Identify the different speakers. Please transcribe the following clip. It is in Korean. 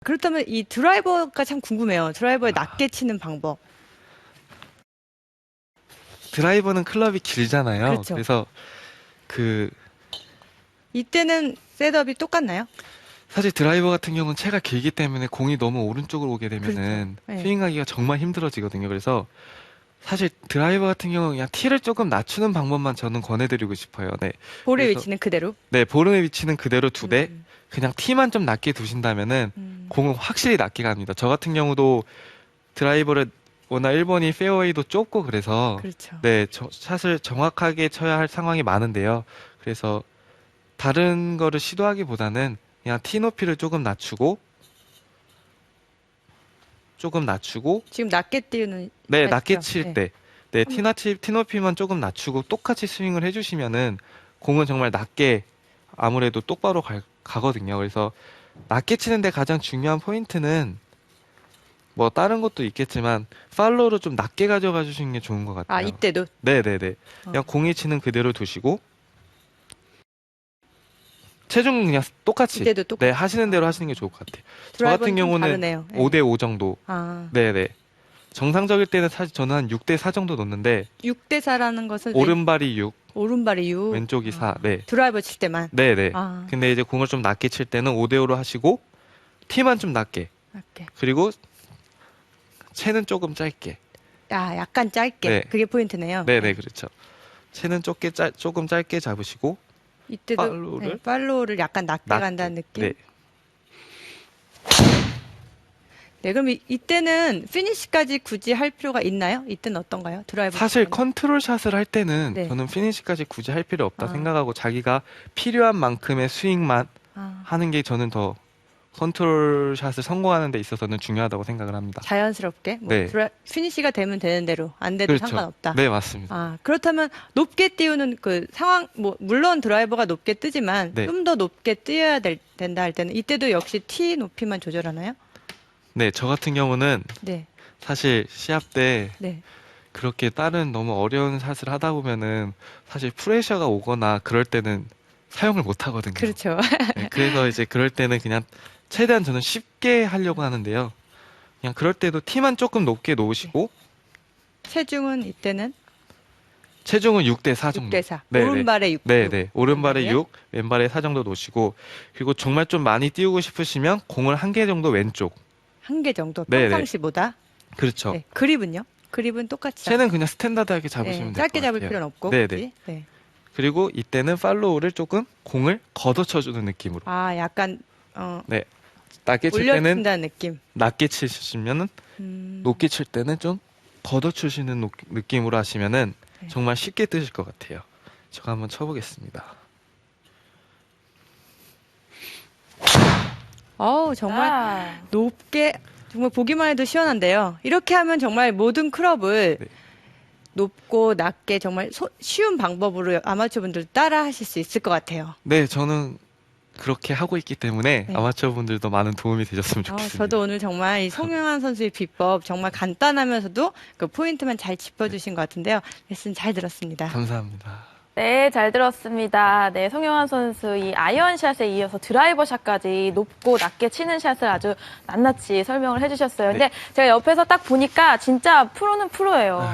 Speaker 1: 그렇다면 이 드라이버가 참 궁금해요. 드라이버에 낮게 치는 방법.
Speaker 2: 드라이버는 클럽이 길잖아요.
Speaker 1: 그렇죠.
Speaker 2: 그래서
Speaker 1: 이때는 셋업이 똑같나요?
Speaker 2: 사실 드라이버 같은 경우는 채가 길기 때문에 공이 너무 오른쪽으로 오게 되면은
Speaker 1: 그렇죠. 네.
Speaker 2: 스윙하기가 정말 힘들어지거든요. 그래서 사실 드라이버 같은 경우는 그냥 티를 조금 낮추는 방법만 저는 권해드리고 싶어요. 네.
Speaker 1: 볼의
Speaker 2: 그래서
Speaker 1: 위치는 그대로.
Speaker 2: 네, 볼의 위치는 그대로 두되
Speaker 1: 음.
Speaker 2: 그냥 티만 좀 낮게 두신다면은
Speaker 1: 음.
Speaker 2: 공은 확실히 낮게 갑니다. 저 같은 경우도 드라이버를 워낙 1번이 페어웨이도 좁고 그래서
Speaker 1: 그렇죠.
Speaker 2: 네, 샷을 정확하게 쳐야 할 상황이 많은데요. 그래서 다른 거를 시도하기보다는 그냥 티 높이를 조금 낮추고
Speaker 1: 지금 낮게 띄우는
Speaker 2: 네,
Speaker 1: 말씀이죠?
Speaker 2: 낮게 칠
Speaker 1: 네.
Speaker 2: 때 네, 티 높이만 조금 낮추고 똑같이 스윙을 해주시면은 공은 정말 낮게 아무래도 똑바로 가거든요. 그래서 낮게 치는데 가장 중요한 포인트는 뭐 다른 것도 있겠지만 팔로우를 좀 낮게 가져가 주시는 게 좋은 것 같아요.
Speaker 1: 아, 이때도?
Speaker 2: 네네네. 그냥 공이 치는 그대로 두시고 체중은 그냥 똑같이
Speaker 1: 이때도 똑같이.
Speaker 2: 네, 하시는 대로 하시는 게 좋을 것 같아요. 저
Speaker 1: 드라이버는
Speaker 2: 같은
Speaker 1: 좀
Speaker 2: 경우는
Speaker 1: 다르네요. 네.
Speaker 2: 5대5 정도.
Speaker 1: 아,
Speaker 2: 네네. 정상적일 때는 사실 저는 한 6대4 정도 놓는데
Speaker 1: 6대 4라는 것은
Speaker 2: 오른발이 6,
Speaker 1: 오른발이 6.
Speaker 2: 왼쪽이 4. 네.
Speaker 1: 드라이버 칠 때만.
Speaker 2: 네네.
Speaker 1: 아,
Speaker 2: 근데 이제 공을 좀 낮게 칠 때는 5대5로 하시고 티만 좀 낮게.
Speaker 1: 낮게.
Speaker 2: 그리고 채는 조금 짧게.
Speaker 1: 아, 약간 짧게.
Speaker 2: 네.
Speaker 1: 그게 포인트네요.
Speaker 2: 네네, 그렇죠. 채는 조금 짧게 잡으시고
Speaker 1: 이때도
Speaker 2: 팔로우를
Speaker 1: 팔로우를 약간 낮게
Speaker 2: 낮게.
Speaker 1: 간다는 느낌.
Speaker 2: 네.
Speaker 1: 네, 그럼 이때는 피니시까지 굳이 할 필요가 있나요? 이때는 어떤가요? 드라이버.
Speaker 2: 사실
Speaker 1: 치고는?
Speaker 2: 컨트롤 샷을 할 때는
Speaker 1: 네.
Speaker 2: 저는 피니시까지 굳이 할 필요 없다
Speaker 1: 아.
Speaker 2: 생각하고 자기가 필요한 만큼의 스윙만
Speaker 1: 아,
Speaker 2: 하는 게 저는 더 컨트롤 샷을 성공하는 데 있어서는 중요하다고 생각을 합니다.
Speaker 1: 자연스럽게 뭐
Speaker 2: 네.
Speaker 1: 피니시가 되면 되는 대로 안 돼도
Speaker 2: 그렇죠.
Speaker 1: 상관없다.
Speaker 2: 네, 맞습니다.
Speaker 1: 아, 그렇다면 높게 띄우는 그 상황, 뭐, 물론 드라이버가 높게 뜨지만
Speaker 2: 네.
Speaker 1: 좀 더 높게 띄어야 된다 할 때는 이때도 역시 티 높이만 조절하나요?
Speaker 2: 네, 저 같은 경우는
Speaker 1: 네,
Speaker 2: 사실 시합 때
Speaker 1: 네.
Speaker 2: 그렇게 다른 너무 어려운 샷을 하다 보면은 사실 프레셔가 오거나 그럴 때는 사용을 못 하거든요.
Speaker 1: 그렇죠.
Speaker 2: 네, 그래서 이제 그럴 때는 그냥 최대한 저는 쉽게 하려고 하는데요. 그냥 그럴 때도 티만 조금 높게 놓으시고
Speaker 1: 체중은 이때는
Speaker 2: 체중은 6대4 정도.
Speaker 1: 6대4.
Speaker 2: 네네.
Speaker 1: 오른발에 6.
Speaker 2: 네네. 오른발에
Speaker 1: 왼발에?
Speaker 2: 6, 왼발에 4 정도 놓으시고 그리고 정말 좀 많이 띄우고 싶으시면 공을 한 개 정도 왼쪽.
Speaker 1: 한 개 정도
Speaker 2: 네네.
Speaker 1: 평상시보다.
Speaker 2: 그렇죠.
Speaker 1: 네. 그립은요? 그립은 똑같이.
Speaker 2: 채는 그냥 스탠다드하게 잡으시면 될 것
Speaker 1: 짧게
Speaker 2: 같아요.
Speaker 1: 잡을 필요는 없고.
Speaker 2: 네네.
Speaker 1: 그치? 네.
Speaker 2: 그리고 이때는 팔로우를 조금 공을 걷어쳐주는 느낌으로.
Speaker 1: 아, 약간
Speaker 2: 네. 낮게 칠 때는
Speaker 1: 올려준다는 느낌.
Speaker 2: 낮게 치시면은 높게 칠 때는 좀 걷어주시는 느낌으로 하시면은
Speaker 1: 네.
Speaker 2: 정말 쉽게 뜨실 것 같아요. 제가 한번 쳐보겠습니다.
Speaker 1: 정말 높게 정말 보기만 해도 시원한데요. 이렇게 하면 정말 모든 클럽을
Speaker 2: 네.
Speaker 1: 높고 낮게 정말 쉬운 방법으로 아마추어 분들 따라 하실 수 있을 것 같아요.
Speaker 2: 네, 저는 그렇게 하고 있기 때문에
Speaker 1: 네.
Speaker 2: 아마추어 분들도 많은 도움이 되셨으면 좋겠습니다.
Speaker 1: 저도 오늘 정말 이 송영환 선수의 비법 정말 간단하면서도 그 포인트만 잘 짚어주신 것 같은데요. 레슨 잘 들었습니다.
Speaker 2: 감사합니다.
Speaker 3: 네, 잘 들었습니다. 네, 송영환 선수 이 아이언샷에 이어서 드라이버 샷까지 높고 낮게 치는 샷을 아주 낱낱이 설명을 해주셨어요. 근데 제가 옆에서 딱 보니까 진짜 프로는 프로예요.